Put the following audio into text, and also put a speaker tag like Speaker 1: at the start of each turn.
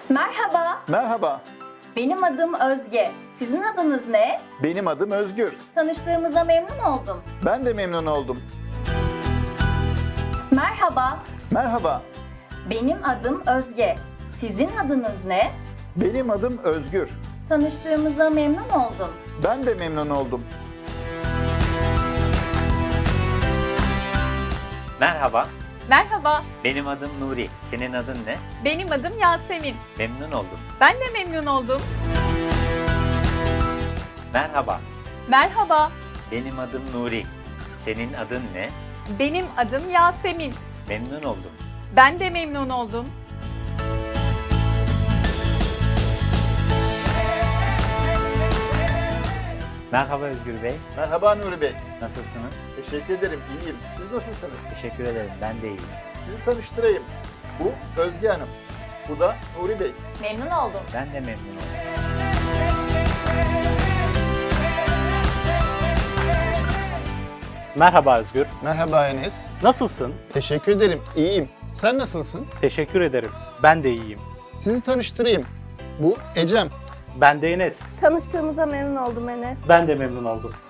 Speaker 1: Merhaba,
Speaker 2: Merhaba,
Speaker 1: benim adım Özge. Sizin adınız ne?
Speaker 2: benim adım Özgür.
Speaker 1: Tanıştığımıza memnun oldum.
Speaker 2: Ben de memnun oldum.
Speaker 1: Merhaba,
Speaker 2: Merhaba,
Speaker 1: benim adım Özge. Sizin adınız ne?
Speaker 2: benim adım Özgür.
Speaker 1: Tanıştığımıza memnun oldum.
Speaker 2: Ben de memnun oldum.
Speaker 3: Merhaba,
Speaker 4: Merhaba,
Speaker 3: benim adım Nuri. Senin adın ne?
Speaker 4: benim adım Yasemin.
Speaker 3: Memnun oldum.
Speaker 4: Ben de memnun oldum.
Speaker 3: Merhaba,
Speaker 4: Merhaba,
Speaker 3: benim adım Nuri. Senin adın ne?
Speaker 4: benim adım Yasemin.
Speaker 3: Memnun oldum.
Speaker 4: Ben de memnun oldum.
Speaker 3: Merhaba Özgür Bey,
Speaker 2: Merhaba Nuri Bey.
Speaker 3: nasılsınız?
Speaker 2: Teşekkür ederim, iyiyim. Siz nasılsınız?
Speaker 3: Teşekkür ederim, ben de iyiyim.
Speaker 2: Sizi tanıştırayım. Bu Özge Hanım. Bu da Nuri Bey.
Speaker 1: Memnun oldum.
Speaker 3: Ben de memnun oldum.
Speaker 5: Merhaba Özgür.
Speaker 2: Merhaba Enes.
Speaker 5: Nasılsın?
Speaker 2: Teşekkür ederim, iyiyim. Sen nasılsın?
Speaker 5: Teşekkür ederim. Ben de iyiyim.
Speaker 2: Sizi tanıştırayım. Bu Ecem.
Speaker 5: Ben de Enes.
Speaker 6: Tanıştığımıza memnun oldum Enes.
Speaker 5: Ben de memnun oldum.